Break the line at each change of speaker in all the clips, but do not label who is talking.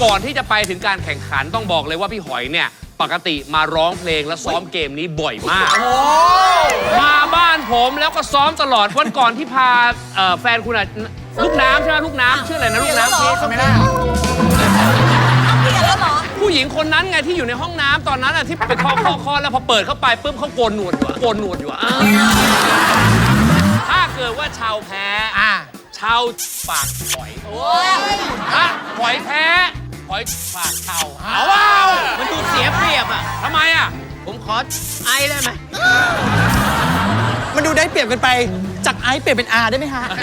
ก่อนที่จะไปถึงการแข่งขันต้องบอกเลยว่าพี่หอยเนี่ยปกติมาร้องเพลงและซ้อมเกมนี้บ่อยมากมาบ้านผมแล้วก็ซ้อมตลอดวันก่อนที่พาแฟนคุณอะลูกน้ำใช่ไหมลูกน้ำชื่ออะไรนะลูกน้ำ
เขาไม่ได้
ผู้หญิงคนนั้นไงที่อยู่ในห้องน้ำตอนนั้นอะที่ไปเคาะแล้วพอเปิดเข้าไปปุ๊บเขาโกนหนวดอยู่ถ้าเกิดว่าชาวแพ้ชาวปากหอยถ้าหอยแพ้หอยปากชาวว้าวมันดูเสียเปรียบอ่ะทำไมอ่ะผมขอไอได้ไหม
มันดูได้เปรียบกันไปจากไอเปลี่ยนเป็นอาได้ไหมฮะ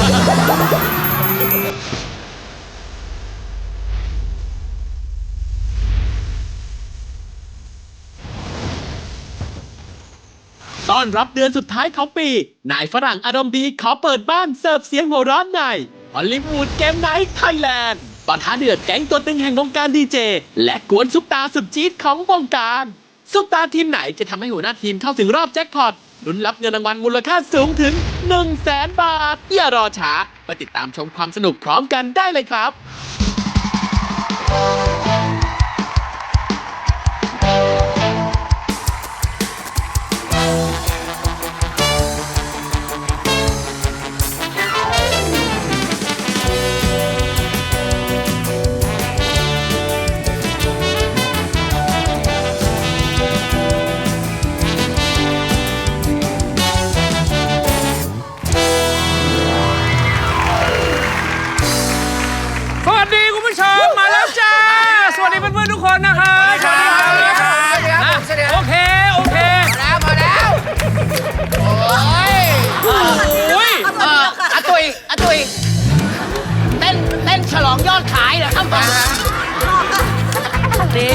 ต้อนรับเดือนสุดท้ายของปีนายฝรั่งอารมณ์ดีขอเปิดบ้านเสิร์ฟเสียงหัวเร้อนในฮอลลีวูดเกมไนท์ไทยแลนด์ปะทะเดือดแก๊งตัวตึงแห่งวงการดีเจและกวนซุปตาสุดจี๊ดของวงการซุปตาทีมไหนจะทำให้หัวหน้าทีมเข้าถึงรอบแจ็คพอตลุ้นรับเงินรางวัลมูลค่าสูงถึง 100,000 บาทอย่ารอช้าไปติดตามชมความสนุกพร้อมกันได้เลยครับ
ทุกคนนะครับสวัสดีครับโอเคพอแล้วโอ้ย
อาตุยเต้นฉลองยอดขายเหรอครับ
นี่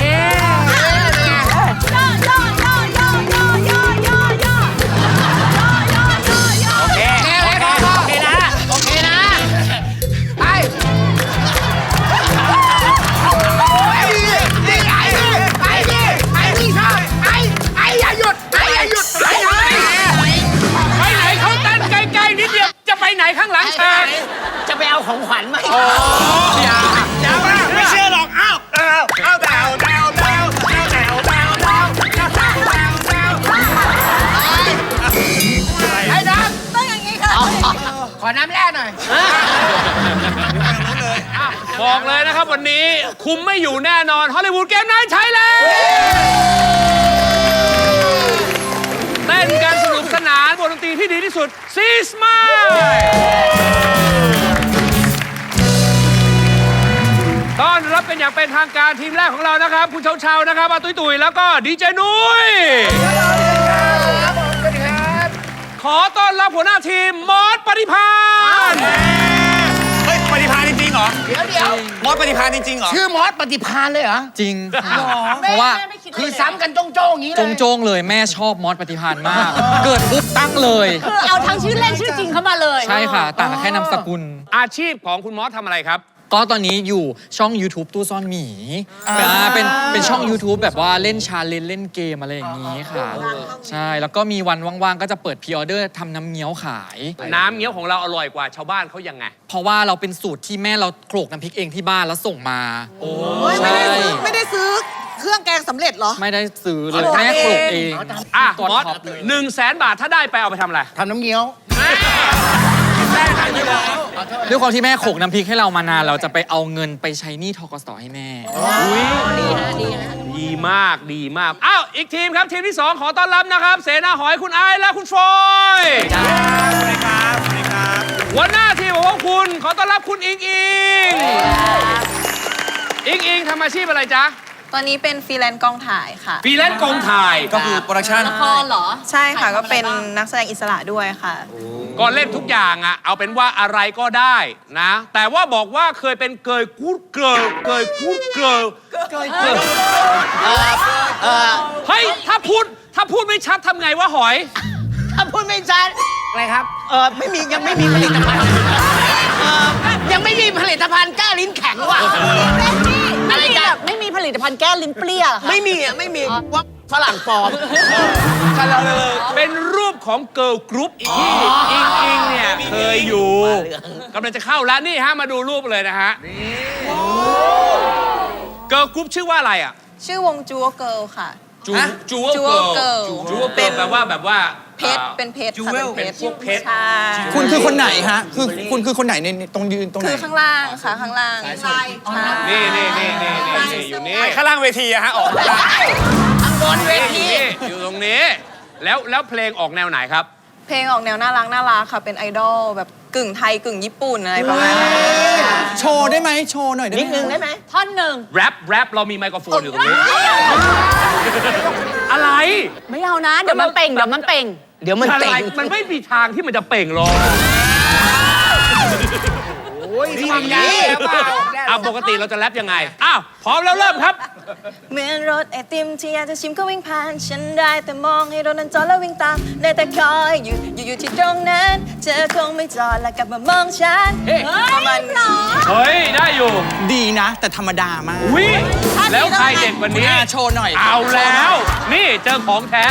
ข้างหลังฉาก
จะไปเอาของขวัญไหม
อย่า
ไม่เชื่อหรอกอ้าว
ไอ้น้ำต้องอย่างนี้ค่ะขอน้ำแร่หน่อย
บอกเลยนะครับวันนี้คุมไม่อยู่แน่นอนฮอลลีวูดเกมไนท์ไทยแลนด์เต้นกันสนุกสนานบทดนตรีที่ดีที่สุดซีสมายต้อนรับเป็นอย่างเป็นทางการทีมแรกของเรานะครับคุณเชานะครับอาตุ้ยแล้วก็ดีเจนุ้ยขอต้อนรับหัวหน้าทีมมอสปฏิภาณ
เฮ้ยปฏิภาณจริงเหรอ
เดี๋ยว
มอสปฏิภาณจริงเหรอ
ชื่อมอสปฏิภาณเลยเหรอ
จริงเพราะว่า
คือซ้ำกันโจ้งอย่างนี้เลย
โจ้งเลยแม่ชอบมอสปฏิภาณมากเกิดปุ๊บตั้งเลย
คือเอาทั้งชื่อเล่นชื่อจริงเข้ามาเลย
ใช่ค่ะต่างกันแค่นามสกุล
อาชีพของคุณมอสทำอะไรครับ
ก็ตอนนี้อยู่ช่อง YouTube ตู้ซ่อนหมีเป็นช่อง YouTube แบบว่าเล่นชาเลนจ์เล่นเกมอะไรอย่างนี้ค่ะใช่แล้วก็มีวันว่างๆก็จะเปิดพรีออเดอร์ทำน้ำเงี้ยวขาย
น้ำเงี้ยวของเราอร่อยกว่าชาวบ้านเขายังไง
เพราะว่าเราเป็นสูตรที่แม่เราโขลกน้ำพริกเองที่บ้านแล้วส่งมา
ไม่ได้ซื้อเครื่องแกงสำเร็จเหรอ
ไม่ได้ซื้อเลยแม่โขลกเอง
มอส100,000 บาทถ้าได้ไปเอาไปทำอะไร
ทำน้ำเงี้ยว
ด้วยความที่แม่โขลกน้ำพริกให้เรามานานเราจะไปเอาเงินไปใช้หนี้ธกส.ให้แม่
ดีมากอ้าวอีกทีมครับทีมที่2ขอต้อนรับนะครับเสนาหอยคุณไอซ์และคุณฟอย
สวัสดีครับ
หัวหน้าทีมของคุณขอต้อนรับคุณอิงทำอาชีพอะไรจ๊ะ
ตอนนี้เป็นฟรีแลนซ์กองถ่ายค่ะ
ฟรีแลนซ์กองถ่าย
ก็คือโปรดักชั่น
ละครเหรอ
ใช่ค่ะก็เป็นนักแสดงอิสระด้วยค่ะ
ก็เล่นทุกอย่างอะเอาเป็นว่าอะไรก็ได้นะแต่ว่าบอกว่าเคยเป็นเกย์กู๊ดเกิร์ลเฮ้ยถ้าพูดไม่ชัดทำไงวะหอย
ถ้าพูดไม่ชัดอะไรครับยังไม่มีผลิตภัณฑ์ยังไม่มีผลิตภัณฑ์แก้ลิ้นแข็งว่ะ
ไม่มีผลิตภัณฑ์แก้ลิ้นเปรี้ย
ไม่มีว่าฝรั่งปลอม
เป็นรูปของเกิร์ลกรุ๊ปที่อิงเนี่ยเคยอยู่กำลังจะเข้าแล้วนี่ฮะมาดูรูปเลยนะฮะเกิร์ลกรุ๊ปชื่อว่าอะไรอ่ะ
ชื่อวงจูโอเกิลค่ะ
จู
ฮะ
จูเกิ
Jewel
ล
Girl
จูเกิลแปลว่าแบบว่า
เพชร เป็นเพชรค่ะ
Jewel
เป็น
เป็นพวกเพชร
ใช่
คุณคือคนไหนฮะ คุณคือคนไหนในตรงยืนตรงไหน
คือข้างล่างค่ะ ข้างล่างใช่
นี่อยู่นี่
ข้างล่างเวทีอะฮะ ออกมา
ข้างบนเวที
อยู่ตรงนี้ แล้วเพลงออกแนวไหนครับ
เพลงออกแนวน่ารักค่ะ เป็นไอดอลแบบกึ่งไทยกึ่งญี่ปุ่นอะไรประมาณนั้นค่ะ
โชว์ได้ไหมโชว์หน่อยได้ไหม
นิดนึงได้ไหมท่อนหนึ่ง
แรปเรามีไมโครโฟนอยู่ตรงนี้ อะไร
ไม่เอานะ เดี๋ยวมันเป่ง เดี๋ยวมันเป่ง
เดี๋ยวมัน
อะไร
เต่ง
มันไม่มีทางที่มันจะเป่งหรอก
นี่ความยาวแล้วเปล่า
ปกติเราจะแรปยังไง อ้าว พร้อมแล้วเริ่มครับ
เหมือนรถไอติมที่อยากจะชิมก็วิ่งผ่านฉันได้แต่มองให้รถนั้นจอดแล้ววิ่งตามได้แต่คอยอยู่ที่ตรงนั้นเธอคงไม่จอดแล้วกลับมามองฉันประมาณนี้
เฮ้ย ได้อยู่
ดีนะ แต่ธรรมดามาก
วิแล้วใครเด็กกวันนี้
โชว์หน่อย
เอาแล้ว นี่เจอของแท้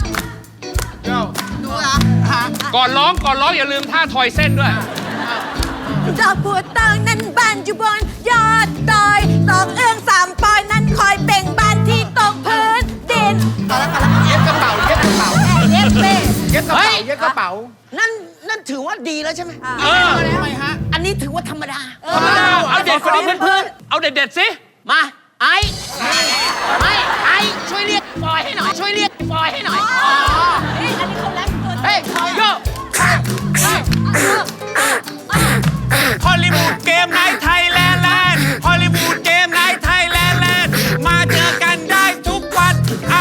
ก่อนร้องอย่าลืมท่าทอยเส้นด้วย
ดอกบัวตองนั้นบานอยู่บนยอดดอยตอกเอื้อง3 ปอยนั้นคอยเบ่งบานที่ตกพื้นดินเย็บกระเป๋าเย็บกระเป๋าเย็บเป้
เย็บกระเป๋าเย็บกระเป๋า นั่นถือว่าดีแล้วใช่ไหม
เออ
ทำไมฮะ อันนี้ถือว่าธรรมดา
เอาเด็ดคนนี้เพื่อนๆเอาเด็ดๆสิ
มาไอ้ช่วยเรียกฟอยให้หน่อยช่วยเรียกฟอยให้หน่อยเฮ้ยโย
ฮอลลีวูดเกมไนท์ไทยแลนด์ฮอลลีวูดเกมไนท์ไทยแลนด์มาเจอกันได้ทุกวัน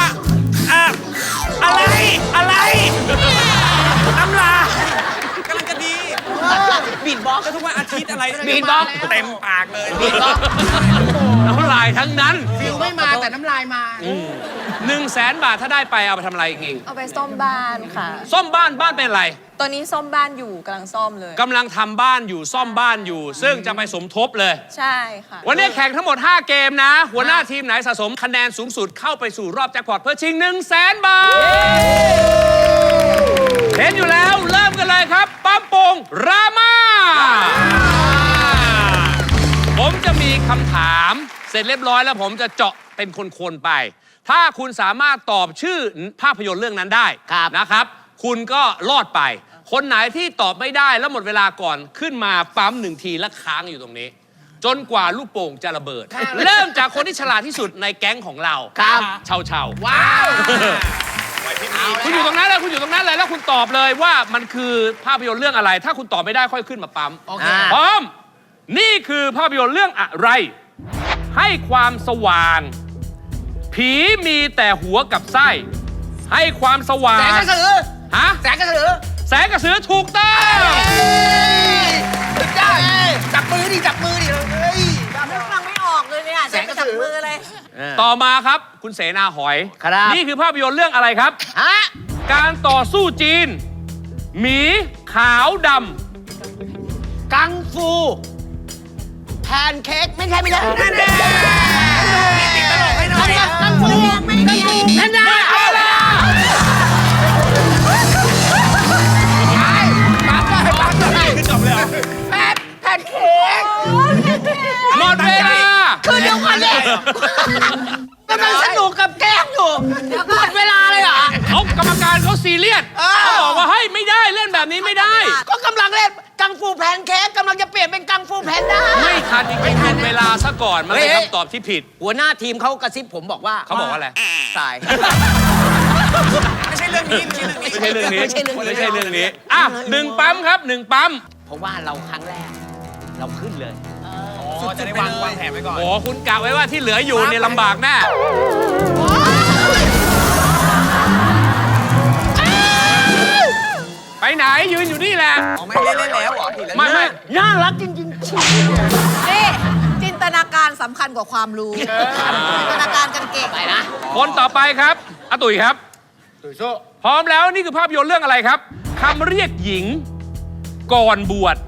อะไรน้ำลากำลังจะดี
บีดบ็อกซ์
ก็ทุกวันอาทิตย์อะไร
บีทบ็อกซ์
เต็มปากเลย
บีดบ็อกซ์
น้ำลายทั้งนั้น
ฟิลไม่มาแต่น้ำลายมา
100,000 บาทถ้าได้ไปเอาไปทำอะไรอีก
เอาไปซ่อมบ้านค่ะ
ซ่อมบ้านเป็นอะไร
ตอนนี้ซ่อมบ้านอยู่กำลังซ่อมเลย
กำลังทำบ้านอยู่ซ่อมบ้านอยู่ ซึ่งจะไปสมทบเลย
ใช่ค่ะ
วันนี้แข่งทั้งหมด 5 เกมนะ หัวหน้าทีมไหนสะสมคะแนนสูงสุดเข้าไปสู่รอบแจ็คพอตเพื่อชิง 100,000 บาท เห็นอยู่แล้วเริ่มกันเลยครับ ปั๊มโป่งรามาผมจะมีคำถามเสร็จเรียบร้อยแล้วผมจะเจาะเป็นคนๆไป ถ้าคุณสามารถตอบชื่อภาพยนตร์เรื่องนั้นได้นะครับ คุณก็รอดไป คนไหนที่ตอบไม่ได้แล้วหมดเวลาก่อนขึ้นมาปั๊ม1 ทีแล้วค้างอยู่ตรงนี้ จนกว่าลูกโป่งจะระเบิด เริ่มจากคนที่ฉลาดที่สุดในแก๊งของเรา
ครับ
เชา
ว้าว
คุณอยู่ตรงนั้นเลยแล้วคุณตอบเลยว่ามันคือภาพยนตร์เรื่องอะไร ถ้าคุณตอบไม่ได้ค่อยขึ้นมาปั๊ม
โอเค
พร้อม นี่คือภาพยนตร์เรื่องอะไร ให้ความสว่าง ผีมีแต่หัวกับไส้ ให้ความสว่าง
แสงกระสือ
ฮะ
แสงกระสือ
แสงกระสือถูกต้อง
สุดยอดจับมือดิเฮ้ย
นึกฟังไม่ออกเลยเนี่ย
แสงกระสือ
จับมือเลย
ต่อมาครับคุณเสนาหอย
ครับ
นี่คือภาพยนตร์เรื่องอะไรครับ
ฮะ
การต่อสู้จีน หมีขาวด
กังฟูแพนเค้กไม่ใช่กังฟูกังฟูแพนด้าแพนเค้ก
ำหมดเวลา
คือเดี๋ยวก่อนเลยกำลังสนุกกับแก้มอยู่หมดเวลาเลยเหรอ
เขากรรมการเขาซีเรียสเขาบอกว่าเฮ้ยไม่ได้เล่นแบบนี้ไม่ได้
ก็กำลังเล่นกังฟูแพนเค้กกำลังจะเปลี่ยนเป็นกังฟูแพนด้า
ไม่ทันจริงๆหมดเวลาซะก่อนมันเป็นคำตอบที่ผิด
หัวหน้าทีมเขากระซิบผมบอกว่า
เขาบอกว่าอะไร
สาย
ไม่ใช่เรื่องนี้
ไม่ใช่เรื่องนี้
ไม่ใช่เรื่องนี้
ไม่ใช่เรื่องนี้อ่ะ1 ปั๊มครับ 1 ปั๊ม
เพราะว่าเราครั้งแรก เราขึ้นเลย
จะได้วางแผนไว้ก่อน
โอ้คุณกะไว้ว่าที่เหลืออยู่เนี่ยลำบากแน่ไปไหนยืนอยู่นี่แหละ
ไม่เล่นแล้วเหรอทีละ
ไม่
น่ารักจริง
นี่ จินตนาการสำคัญกว่าความรู้ จินตนาการกันเก่ง
ๆไปนะ
คนต่อไปครับอาตุ๋ยครับพร้อมแล้วนี่คือภาพยนตร์เรื่องอะไรครับคำเรียกหญิงก่อนบวช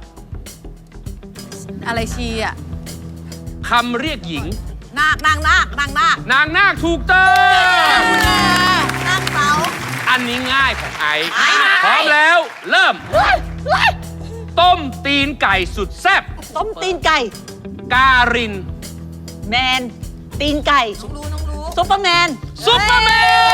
อะไรชีอ่ะ
คำเรียกหญิง
นางนาค
นางนาคถูกต้อง
นางเสา
อันนี้ง่ายของไอซ์
ไอซ์
พร้อมแล้วเริ่ม ต้มตีนไก่สุดแซ่บ
ต้มตีนไก่
การิน
แมนตีนไก่ซุปเปอร์แมน
ซุปเปอร์แม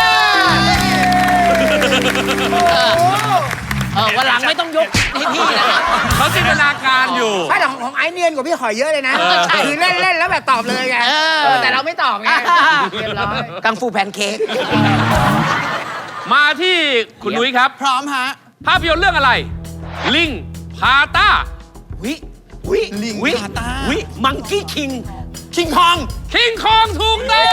น
วันหลังไม่ต้องยกให้พี่นะ
เขาจินตนาการอยู่
ไม่แต่ของไอซ์เนียนกว่าพี่หอยเยอะเลยนะ คือเล่นๆแล้วแบบตอบเลยไงแต่เราไม่ตอบไงเรียบร้อยกังฟูแพนเค้ก
มาที่คุณนุ้ยครับ
พร้อมฮะ
ภาพยนตร์เรื่องอะไร ลิงพาต้า
วิ
ลิง
วิ
พาต้า
วิมังกี้คิง
คิงคอง
คิงคองถูกต้อง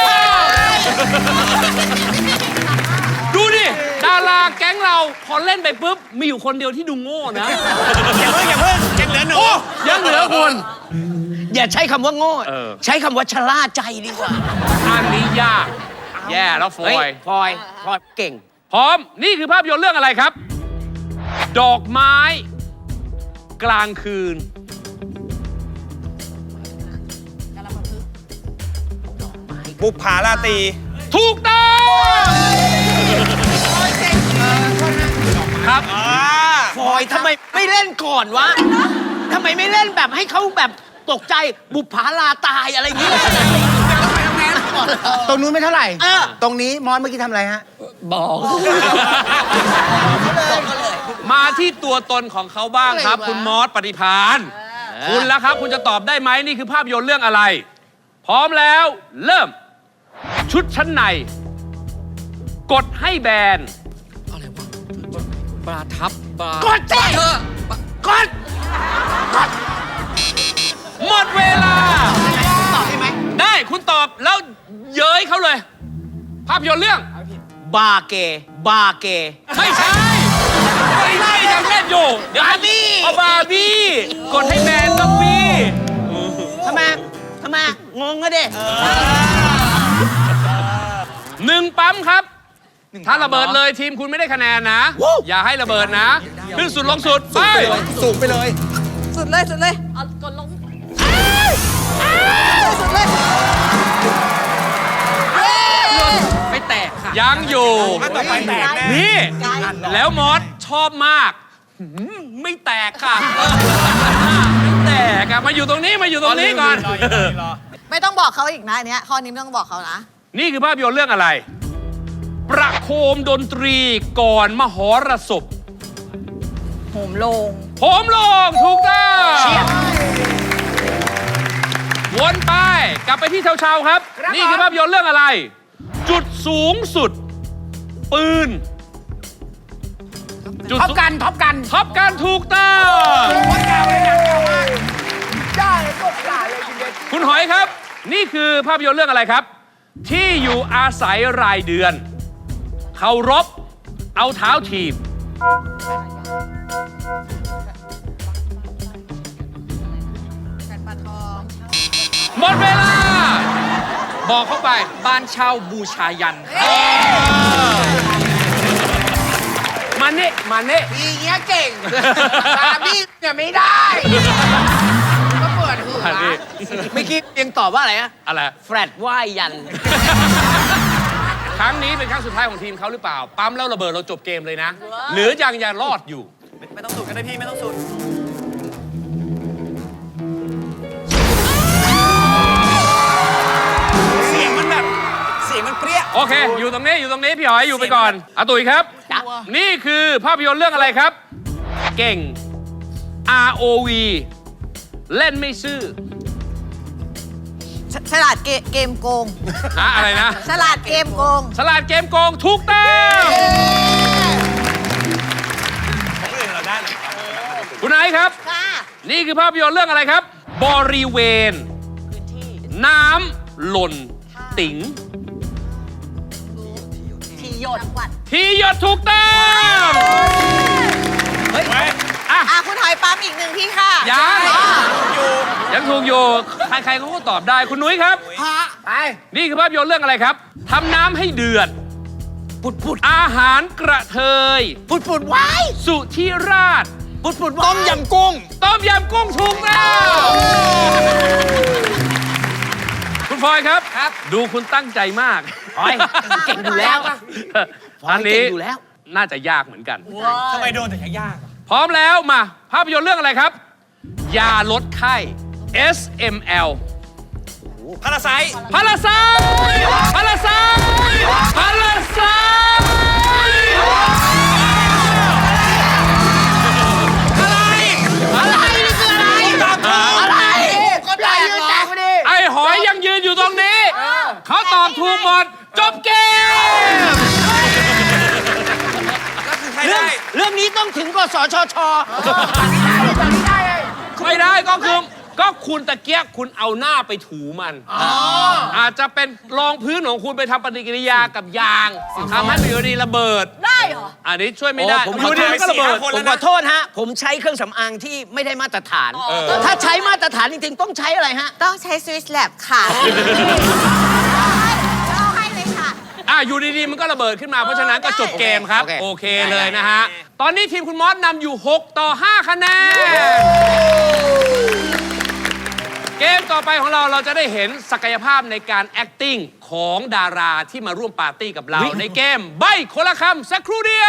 ดูดิ ดาราแก๊งเราพอเล่นไปปุ๊บ มีอยู่คนเดียวที่ดูโง่นะ
อย่าเพิ่งยังเหลือหนู
ยังเหลือคุณ
อย่าใช้คำว่าโง่
เออ
ใช้คำว่าชะล่าใจดีกว่า
อันนี้ยาก แย่แล้วฟอ
เฮ้
ย
พลอยเก่ง
พร้อม นี่คือภาพยนตร์เรื่องอะไรครับ ดอกไม้ กลางคืน
บุปผาราตรี
ถูกต้องครับ
ฟอยทำไมไม่เล่นก่อนวะทำไมไม่เล่นแบบให้เขาแบบตกใจบุปผาลาตายอะไรอย่างเงี้ย
ตรงนู้นไม่เท่าไหร่
เออ
ตรงนี้มอนเมื่อกี้ทำอะไรฮะ
บอก
มาที่ตัวตนของเขาบ้างครับ คุณมอสปฏิพานคุณแล้วครับ คุณจะตอบได้ไหมนี่คือภาพยนตร์เรื่องอะไร พร้อมแล้ว เริ่ม ชุดชั้นใน กดให้แบน
อะไรวะปลาทับปลาก
ดสิ
เธอก
ด
หมดเวลา
ตอบได้ไหม
ได้คุณตอบแล้วเย้ยเขาเลย ภาพยนตร์เรื่อง
บาเก บาเก
ไม่ใช่ไม่ใช่ยังเล่นอยู่เดี๋ยว
บาร์บี้
เอาบาร์บี้กดให้แบนต้องบี้
ทำไมงงก็ดิ
หนึ่งปั๊มครับ ถ้าระเบิดเลยทีมคุณไม่ได้คะแนนนะ อย่าให้ระเบิดนะขึ้นสุดลงสุดไป
สูงไปเลย
สุดเลยสุดเลยเอากดลงสุดเลย
ไม่แตกค่ะ
ยังอยู่
ถ้าต่อไปแตกแน่
นี่ แล้วมอสชอบมากไม่แตกค่ะ ไม่แตกอะมาอยู่ตรงนี้มาอยู่ตรงนี้ก่อน
ไม่ต้องบอกเขาอีกนะอันเนี้ยข้อนี้ไม่ต้องบอกเขานะ
นี่คือภาพยนตร์เรื่องอะไร ประโคมดนตรีก่อนมหรสพ
โหมโลง
ผมลงถูกต้องวนไปกลับไปที่เชาๆครับ นี่คือภาพยนตร์เรื่องอะไร จุดสูงสุด ปืน จุด
ท็อปกัน ท็อปกัน
ท็อปกันถูกต้อง
คนเก่าเลยนะเก่ามากได้กดด่าเลยคุณเดช
คุณหอยครับ นี่คือภาพยนตร์เรื่องอะไรครับ ที่อยู่อาศัยรายเดือน เคารพเอาเท้าถีบ หมดเวลา บอกเข้าไป
บ้านเช่าบูชายันค่ะ
มานี่มานี่
ทีเงี้ยเก่งบาร์บี้เนี่ยไม่ได้ ก็เปิดหัว
มานี่
เมื่อกี้ยังตอบว่าอะไรนะ
อะไร
แฟลตว่ายยัน
ครั้งนี้เป็นครั้งสุดท้ายของทีมเขาหรือเปล่า ปั๊มแล้วระเบิดเราจบเกมเลยนะ หรือยังรอดอยู่
ไม่ต้องสุดก็ได้พี่ไม่ต้องสุด เสียงมันแบบ เสียงมันเปรี้ย
โอเค อยู่ตรงนี้พี่หอยอยู่ไปก่อนอาตุ๋ยครับ
จ๊ะ
นี่คือภาพยนตร์เรื่องอะไรครับ เก่ง ROV เล่นไม่ซื่อ
ฉลาดเกมโกง
อะไรนะ
ฉลาดเกมโกง
ฉลาดเกมโกงถูกต้อง
ของอื่นเราได้
คุณไอซ์ครับ
ค่ะ
นี่คือภาพยนตร์เรื่องอะไรครับ บริเวณ น้ำหล่นติ๋ง
ทีหยดจังหวัด
ที่หยดถูกต้อง อ่ะ
คุณหอยปั๊มอีกหนึ่งที่ค่ะ
ยัง
อ๋อ
ยังถูกอยู่ ใครๆเขาก็ตอบได้คุณนุ้ยครับ
ไป
นี่คือภาพยนตร์เรื่องอะไรครับทำน้ำให้เดือด
ปุด
อาหารกระเทย
ปุดไว้
สุธิราช
ปุดต้มยำกุ้ง
ต้มยำกุ้งถูกแล้วคุณฟอยครับ ดูคุณตั้งใจมาก
ฟอยเก่งอยู่แล้ว
อันนี้
เก่งอยู่แล้ว
น่าจะยากเหมือนกัน
ทำไมโดนแต่ยากอะ
พร้อมแล้วมา ภาพยนตร์เรื่องอะไรครับ ยาลดไข้ SML
โ
พาราไซต์
พาราไซต์พาราไซต์พาราไซต์
อะไรนี่คืออะไร
ตอบถูก
อะไรก็ได้ยืนแตกพอดี
ไอ้หอยยังยืนอยู่ตรงนี้ เขาตอบถูกหมด จบเกม
แล้วคือใคร
เรื่อง
ได้
เรื่องนี้ต้องถึงกสชช
ไม่ได้ก็คุณตะเกียกคุณเอาหน้าไปถูมันอาจจะเป็นรองพื้นของคุณไปทำปฏิกิริยากับยางทำให้มันอยู่ดีระเบิด
ได้เหรอ
อันนี้ช่วยไม่ได้
ผม
อ
ขอยู่ โท
ดี
ษ
มันก็ระเบิด
ผมขอโทษฮะ ผมใช้เครื่องสำอางที่ไม่ได้มาตรฐาน ถ้าใช้มาตรฐานจริงๆ ต้องใช้อะไรฮะ
ต้องใช้ Swiss Lab ค่ะเอาให้เลยค่ะ
อยู่ดีๆมันก็ระเบิดขึ้นมาเพราะฉะนั้นก็จบเกมครับ โอเคเลยนะฮะ ตอนนี้ทีมคุณมอสนำอยู่ 6 ต่อ 5 คะแนน เกมต่อไปของเราจะได้เห็นศักยภาพในการ acting ของดาราที่มาร่วมปาร์ตี้กับเรา ในเกมใบ้คนละคำสักครู่เดียว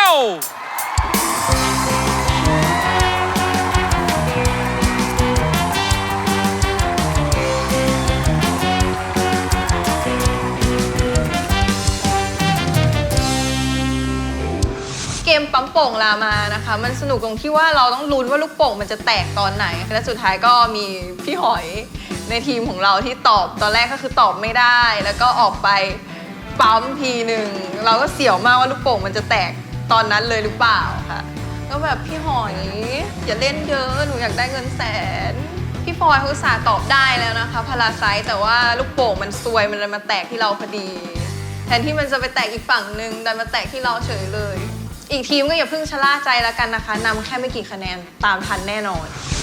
เกมปั๊มโป่งลามานะคะ มันสนุกตรงที่ว่าเราต้องลุ้นว่าลูกโป่งมันจะแตกตอนไหน และสุดท้ายก็มีพี่หอยในทีมของเราที่ตอบตอนแรกก็คือตอบไม่ได้ แล้วก็ออกไปปั๊มทีหนึ่งเราก็เสียวมากว่าลูกโป่งมันจะแตกตอนนั้นเลยหรือเปล่าค่ะก็แบบพี่หอยอย่าเล่นเยอะหนูอยากได้เงินแสนพี่ฟอยเขาอุตส่าห์ตอบได้แล้วนะคะพาราไซต์แต่ว่าลูกโป่งมันซวยมันเลยมาแตกที่เราพอดี แทนที่มันจะไปแตกอีกฝั่งหนึ่งดันมาแตกที่เราเฉยเลย อีกทีมก็อย่าเพิ่งชะล่าใจแล้วกันนะคะนำแค่ไม่กี่คะแนนตามทันแน่นอน